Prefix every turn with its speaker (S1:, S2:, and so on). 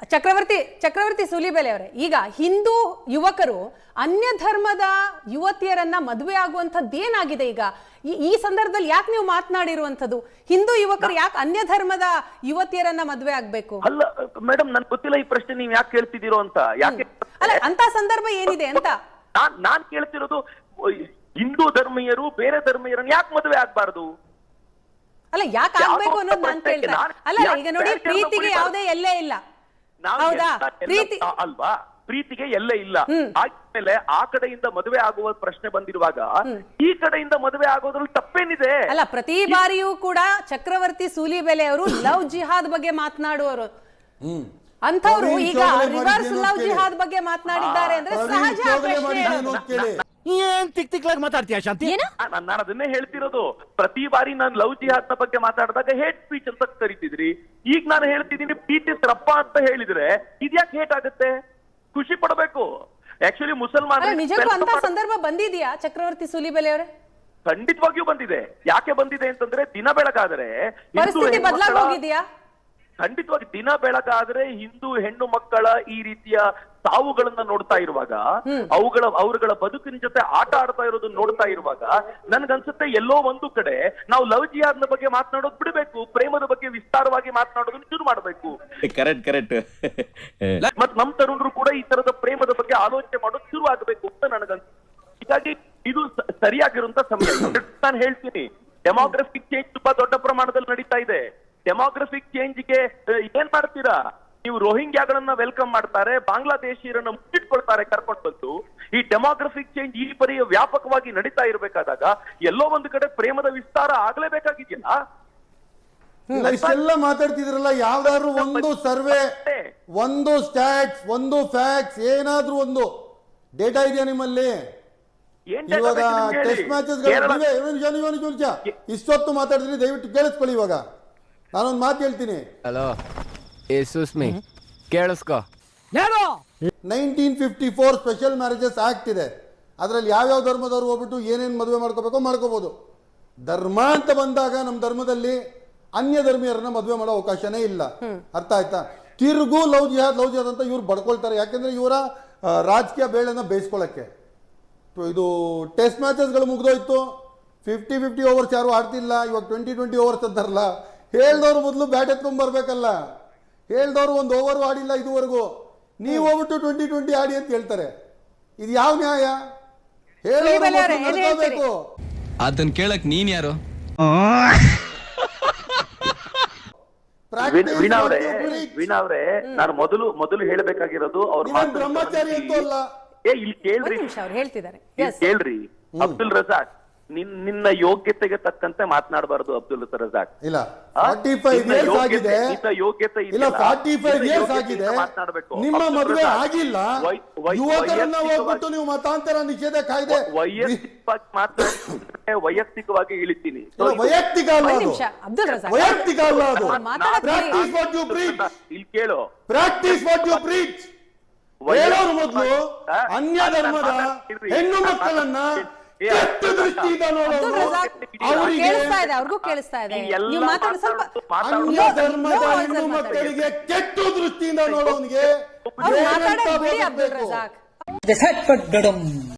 S1: ಚಕ್ರವರ್ತಿ ಸೂಲಿಬೆಲೆ ಅವರೇ, ಈಗ ಹಿಂದೂ ಯುವಕರು ಅನ್ಯ ಧರ್ಮದ ಯುವತಿಯರನ್ನ ಮದುವೆ ಆಗುವಂತದ್ದೇನಾಗಿದೆ? ಈಗ ಈ ಸಂದರ್ಭದಲ್ಲಿ ಯಾಕೆ ನೀವು ಮಾತನಾಡಿರುವಂತದ್ದು? ಹಿಂದೂ ಯುವಕರು ಯಾಕೆ ಅನ್ಯ ಧರ್ಮದ ಯುವತಿಯರನ್ನ ಮದುವೆ ಆಗ್ಬೇಕು?
S2: ಅಲ್ಲ ಮೇಡಮ್, ನನ್ ಗೊತ್ತಿಲ್ಲ ಈ ಪ್ರಶ್ನೆ ನೀವ್ ಯಾಕೆ ಕೇಳ್ತಿದ್ದೀರೋ ಅಂತ. ಯಾಕೆ
S1: ಅಲ್ಲ, ಅಂತ ಸಂದರ್ಭ ಏನಿದೆ ಅಂತ
S2: ನಾನ್ ಕೇಳ್ತಿರೋದು. ಹಿಂದೂ ಧರ್ಮೀಯರು ಬೇರೆ ಧರ್ಮೀಯರನ್ನ ಯಾಕೆ ಮದುವೆ ಆಗ್ಬಾರ್ದು?
S1: ಅಲ್ಲ, ಯಾಕೆ ಆಗ್ಬೇಕು ಅನ್ನೋದು ನಾನ್ ಕೇಳ್ತಾ. ಅಲ್ಲ, ಈಗ ನೋಡಿ, ಪ್ರೀತಿಗೆ ಯಾವುದೇ ಎಲ್ಲೇ ಇಲ್ಲ, ಹೌದಾ? ಪ್ರೀತಿ
S2: ಅಲ್ವಾ? ಪ್ರೀತಿಗೆ ಎಲ್ಲೇ ಇಲ್ಲ. ಆದ್ಮೇಲೆ ಆ ಕಡೆಯಿಂದ ಮದುವೆ ಆಗುವ ಪ್ರಶ್ನೆ ಬಂದಿರುವಾಗ ಈ ಕಡೆಯಿಂದ ಮದುವೆ ಆಗೋದ್ರಲ್ಲಿ ತಪ್ಪೇನಿದೆ?
S1: ಅಲ್ಲ, ಪ್ರತಿ ಬಾರಿಯೂ ಕೂಡ ಚಕ್ರವರ್ತಿ ಸೂಲಿಬೆಲೆ ಅವರು ಲವ್ ಜಿಹಾದ್ ಬಗ್ಗೆ ಮಾತನಾಡುವರು. ಅಂತವ್ರು ಈಗ ರಿವರ್ಸ್ ಲವ್ ಜಿಹಾದ್ ಬಗ್ಗೆ ಮಾತನಾಡಿದ್ದಾರೆ ಅಂದ್ರೆ ಸಹಜ.
S3: ಮಾತಾಡ್ತೀಯ ಶಾಂತಿ?
S2: ನಾನು ಅದನ್ನೇ ಹೇಳ್ತಿರೋದು. ಪ್ರತಿ ಬಾರಿ ನಾನು ಲವ್ ಜಿಹಾದ್ ಬಗ್ಗೆ ಮಾತಾಡಿದಾಗ ಹೇಟ್ ಸ್ಪೀಚ್ ಅಂತ ಕರಿತಿದ್ರಿ. ಈಗ ನಾನು ಹೇಳ್ತಿದ್ದೀನಿ ಪ್ರೀತಿಸ್ರಪ್ಪ ಅಂತ ಹೇಳಿದ್ರೆ ಇದ್ಯಾಕೆ ಹೇಟ್ ಆಗುತ್ತೆ? ಖುಷಿ ಪಡಬೇಕು. ಆಕ್ಚುಲಿ ಮುಸಲ್ಮಾನ
S1: ನಿಜಕ್ಕೂ ಅಂತ ಸಂದರ್ಭ ಬಂದಿದ್ಯಾ ಚಕ್ರವರ್ತಿ ಸೂಲಿಬೆಲೆ ಅವರೇ?
S2: ಖಂಡಿತವಾಗಿಯೂ ಬಂದಿದೆ. ಯಾಕೆ ಬಂದಿದೆ ಅಂತಂದ್ರೆ, ದಿನ ಬೆಳಗಾದ್ರೆ
S1: ಪರಿಸ್ಥಿತಿ ಬದಲಾಗೋಗಿದೆಯಾ?
S2: ಖಂಡಿತವಾಗಿ ದಿನ ಬೆಳಗಾದ್ರೆ ಹಿಂದೂ ಹೆಣ್ಣು ಮಕ್ಕಳ ಈ ರೀತಿಯ ಸಾವುಗಳನ್ನ ನೋಡ್ತಾ ಇರುವಾಗ, ಅವರುಗಳ ಬದುಕಿನ ಜೊತೆ ಆಟ ಆಡ್ತಾ ಇರೋದನ್ನ ನೋಡ್ತಾ ಇರುವಾಗ ನನ್ಗನ್ಸುತ್ತೆ ಎಲ್ಲೋ ಒಂದು ಕಡೆ ನಾವು ಲವ್ ಜಿಹಾದ್ನ ಬಗ್ಗೆ ಮಾತನಾಡೋದು ಬಿಡಬೇಕು, ಪ್ರೇಮದ ಬಗ್ಗೆ ವಿಸ್ತಾರವಾಗಿ ಮಾತನಾಡೋದನ್ನ ಶುರು ಮಾಡಬೇಕು.
S4: ಕರೆಕ್ಟ್.
S2: ಮತ್ ನಮ್ ತರುಣರು ಕೂಡ ಈ ತರದ ಪ್ರೇಮದ ಬಗ್ಗೆ ಆಲೋಚನೆ ಮಾಡೋದು ಶುರು ಆಗ್ಬೇಕು ಅಂತ ನನಗನ್ಸುತ್ತೆ. ಹೀಗಾಗಿ ಇದು ಸರಿಯಾಗಿರುವಂತ ಸಮಯ. ನಾನು ಹೇಳ್ತೀನಿ, ಡೆಮೋಗ್ರಫಿಕ್ ಚೇಂಜ್ ತುಂಬಾ ದೊಡ್ಡ ಪ್ರಮಾಣದಲ್ಲಿ ನಡೀತಾ ಇದೆ. ಡೆಮೋಗ್ರಫಿಕ್ ಚೇಂಜ್ಗೆ ಏನ್ ಮಾಡ್ತೀರಾ ನೀವು? ರೋಹಿಂಗ್ಯಾಗಳನ್ನ ವೆಲ್ಕಮ್ ಮಾಡ್ತಾರೆ, ಬಾಂಗ್ಲಾದೇಶಿಯರನ್ನ ಮುಚ್ಚಿಟ್ಕೊಳ್ತಾರೆ ಕರ್ಕೊಂಡು ಬಂದು. ಈ ಡೆಮೋಗ್ರಫಿಕ್ ಚೇಂಜ್ ಈ ಪರಿ ವ್ಯಾಪಕವಾಗಿ ನಡೀತಾ ಇರಬೇಕಾದಾಗ ಎಲ್ಲೋ ಒಂದು ಕಡೆ ಪ್ರೇಮದ ವಿಸ್ತಾರ ಆಗ್ಲೇಬೇಕಾಗಿದೆಯಲ್ಲ?
S5: ಇಷ್ಟೆಲ್ಲ ಮಾತಾಡ್ತಿದ್ರಲ್ಲ, ಯಾವ್ದಾದ್ರು ಒಂದು ಸರ್ವೆ, ಒಂದು ಸ್ಟ್ಯಾಟ್ಸ್, ಒಂದು ಫ್ಯಾಕ್ಟ್ಸ್, ಏನಾದ್ರೂ ಒಂದು ಡೇಟಾ ಇದೆಯಾ ನಿಮ್ಮಲ್ಲಿ? ಇವಾಗ ಟೆಸ್ಟ್ ಮ್ಯಾಚಸ್ ಇಷ್ಟೊತ್ತು ಮಾತಾಡಿದ್ರಿ, ದಯವಿಟ್ಟು ಕೇಳಿಸ್ಕೊಳ್ಳಿ. ಇವಾಗ ನಾನೊಂದು ಮಾತು ಹೇಳ್ತೀನಿ.
S6: ಹಲೋ ಸುಸ್ಮಿ, ಕೇಳಿಸ್ಕೊ.
S5: 1954 ಸ್ಪೆಷಲ್ ಮ್ಯಾರೇಜಸ್ ಆಕ್ಟ್ ಇದೆ. ಅದರಲ್ಲಿ ಯಾವ್ಯಾವ ಧರ್ಮದವ್ರು ಹೋಗ್ಬಿಟ್ಟು ಏನೇನು ಮದುವೆ ಮಾಡ್ಕೋಬೇಕೋ ಮಾಡ್ಕೋಬಹುದು. ಧರ್ಮ ಅಂತ ಬಂದಾಗ ನಮ್ಮ ಧರ್ಮದಲ್ಲಿ ಅನ್ಯ ಧರ್ಮೀಯರನ್ನ ಮದುವೆ ಮಾಡೋ ಅವಕಾಶನೇ ಇಲ್ಲ. ಅರ್ಥ ಆಯ್ತಾ? ತಿರುಗು ಲವ್ ಜಿಹಾದ್ ಅಂತ ಇವ್ರು ಬಡ್ಕೊಳ್ತಾರೆ. ಯಾಕೆಂದ್ರೆ ಇವರ ರಾಜಕೀಯ ಬೇಳೆನ ಬೇಯಿಸ್ಕೊಳ್ಳಕ್ಕೆ. ಇದು ಟೆಸ್ಟ್ ಮ್ಯಾಚಸ್ಗಳು ಮುಗ್ದೋಯ್ತು. 50-50 ಓವರ್ಸ್ ಯಾರು ಆಡ್ತಿಲ್ಲ. ಇವಾಗ 20-20 ಓವರ್ಸ್ ಅಂತಾರಲ್ಲ. ಹೇಳ್ದವ್ರು ಮೊದಲು ಬ್ಯಾಟ್ ಎತ್ಕೊಂಡ್ ಬರ್ಬೇಕಲ್ಲ. ಹೇಳ್ದವ್ರು ಒಂದು ಓವರ್ ಆಡಿಲ್ಲ ಇದುವರೆಗೂ. ನೀವು ಹೋಗ್ಬಿಟ್ಟು 20-20 ಆಡಿ ಅಂತ ಹೇಳ್ತಾರೆ. ಇದು ಯಾವ ನ್ಯಾಯ? ಹೇಳಬೇಕು.
S4: ಅದನ್ನ ಕೇಳಕ್ ನೀನ್ ಯಾರು?
S2: ವೀಣಾ ಅವರೇ, ನಾನು ಮೊದಲು ಹೇಳಬೇಕಾಗಿರೋದು ಅವ್ರ
S5: ಬ್ರಹ್ಮಚಾರಿ ಅಂತೂ ಅಲ್ಲ.
S2: ಇಲ್ಲಿ ಕೇಳ್ರಿ, ಕೇಳ್ರಿ. ಅಬ್ದುಲ್ ರಜಾಕ್, ನಿನ್ನ ಯೋಗ್ಯತೆಗೆ ತಕ್ಕಂತೆ ಮಾತನಾಡಬಾರದು. ಅಬ್ದುಲ್ ರಜಾಕ್
S5: ಇಲ್ಲ, 45 ಇಯರ್ಸ್ ಆಗಿದೆ.
S2: ಯೋಗ್ಯತೆ
S5: ಇಲ್ಲ, 45 ಇಯರ್ಸ್ ಆಗಿದೆ. ನಿಮ್ಮ ಮದುವೆ ಆಗಿಲ್ಲ. ಯುವಕರನ್ನ ಹೋಗ್ಬಿಟ್ಟು ನೀವು ಮತಾಂತರ ನಿಷೇಧ ಕಾಯ್ದೆ
S2: ವೈಯಕ್ತಿಕವಾಗಿ ಇಳಿತೀನಿ.
S5: ವೈಯಕ್ತಿಕ ಅಲ್ಲ ಅದು. ವೈಯಕ್ತಿಕ ಅಲ್ಲ ಅದು. Practice what you preach.
S2: ಇಲ್ಲಿ ಕೇಳು,
S5: ಪ್ರಾಕ್ಟೀಸ್ ವಾಟ್ ಯು ಪ್ರೀಚ್. ಹೇಳೋರು ಮೊದಲು ಅನ್ಯ ಧರ್ಮದ ಹೆಣ್ಣು ಮಕ್ಕಳನ್ನ ಕೆಟ್ಟ ದೃಷ್ಟಿಯಿಂದ ನೋಡೋದು,
S1: ಅವ್ರಿಗೂ ಕೇಳಿಸ್ತಾ ಇದೆ.
S5: ಅನ್ಯ ಧರ್ಮದ ಹೆಣ್ಣು ಮಕ್ಕಳಿಗೆ ಕೆಟ್ಟ ದೃಷ್ಟಿಯಿಂದ ನೋಡೋನಿಗೆ